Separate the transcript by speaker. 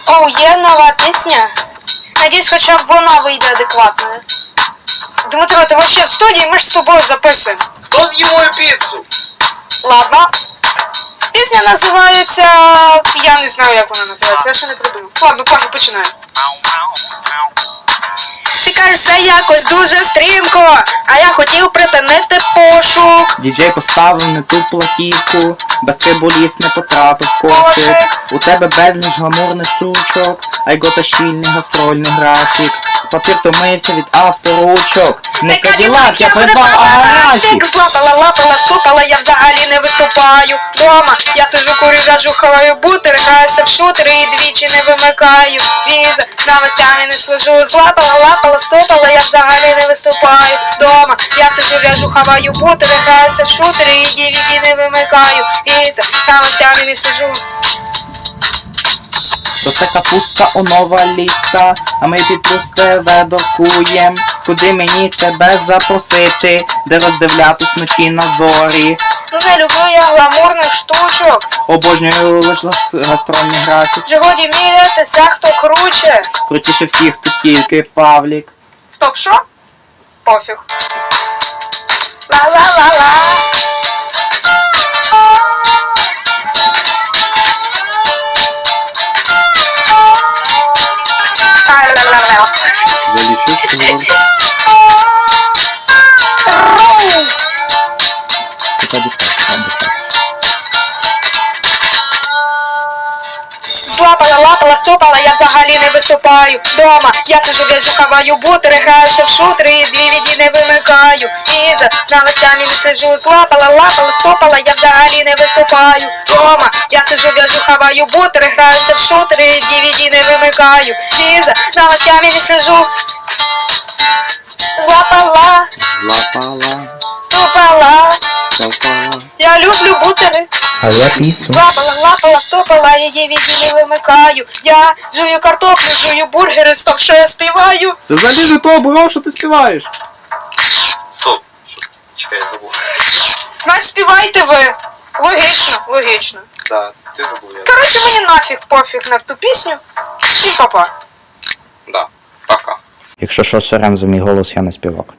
Speaker 1: Оу, є нова пісня. Надіюсь, хоча б вона вийде адекватною. Дмитро, ти вообще в студії, ми ж з тобою записуємо.
Speaker 2: Хто з'їв мою піцу?
Speaker 1: Ладно. Пісня називається... Я не знаю, як вона називається, я ще не придумав. Ладно, поки починаю. Ти кажеш, це якось дуже стрімко, а я хотів припинити пошук.
Speaker 3: Діджей поставив не ту платівку, без трибуліс не потрапив кошик. У тебе безліч гламурних штучок, а й гота щільний гастрольний графік. Папір втомився від авторучок. Не Каділак, я придбав аграфік.
Speaker 1: Злапала, лапала, ступала, я взагалі не виступаю. Дома, я сижу, курю, жажу, хаваю бутери, граюся в шутери і двічі не вимикаю. Віза, новостями не слежу, злапала, лапала, ступала, я взагалі не виступаю. Дома, я сижу, в'яжу, хаваю бутери, граюся в шутери і DVD не вимикаю. Віза, новостями не слежу.
Speaker 3: То це капуста онова ліста, а ми під плюс ТВ доркуєм. Куди мені тебе запросити, де роздивлятись вночі на зорі.
Speaker 1: Ну не люблю я гламурних штучок.
Speaker 3: Обожнюю лиш гастрольний графік.
Speaker 1: Вже годі мірятися, хто круче.
Speaker 3: Крутіше всіх тут тільки Павлік.
Speaker 1: Стоп, що? Пофіг. Ла-ла-ла-ла. Ла-ла-ла-ла.
Speaker 3: Залічиш його.
Speaker 1: Злапала, лапала, стопала, я взагалі не виступаю. Дома, я сижу, в'яжу, хаваю бутери, граюся в шутери і DVD не вимикаю. І за новостями не слежу. Злапала, лапала, стопала, я взагалі не виступаю. Дома, я сижу, в'яжу, хаваю бутери, граюся в шутери і DVD не вимикаю. І за новостями не слежу. Злапала,
Speaker 3: Злапала,
Speaker 1: стопала,
Speaker 3: стопала.
Speaker 1: я люблю бутери.
Speaker 3: А я пісню.
Speaker 1: Лапала, лапала, стопала, я DVD не вимикаю. Я жую картоплю, жую бургери, стоп, що я співаю.
Speaker 3: Це взагалі не то було, що ти співаєш.
Speaker 2: Стоп. Чекай, я забув.
Speaker 1: Значить, співайте ви. Логічно, логічно.
Speaker 2: Да, ти забув я.
Speaker 1: Коротше, мені нафіг пофіг на ту пісню. Всім па-па.
Speaker 2: Да, пока.
Speaker 3: Якщо що, сорян за мій голос, я не співак.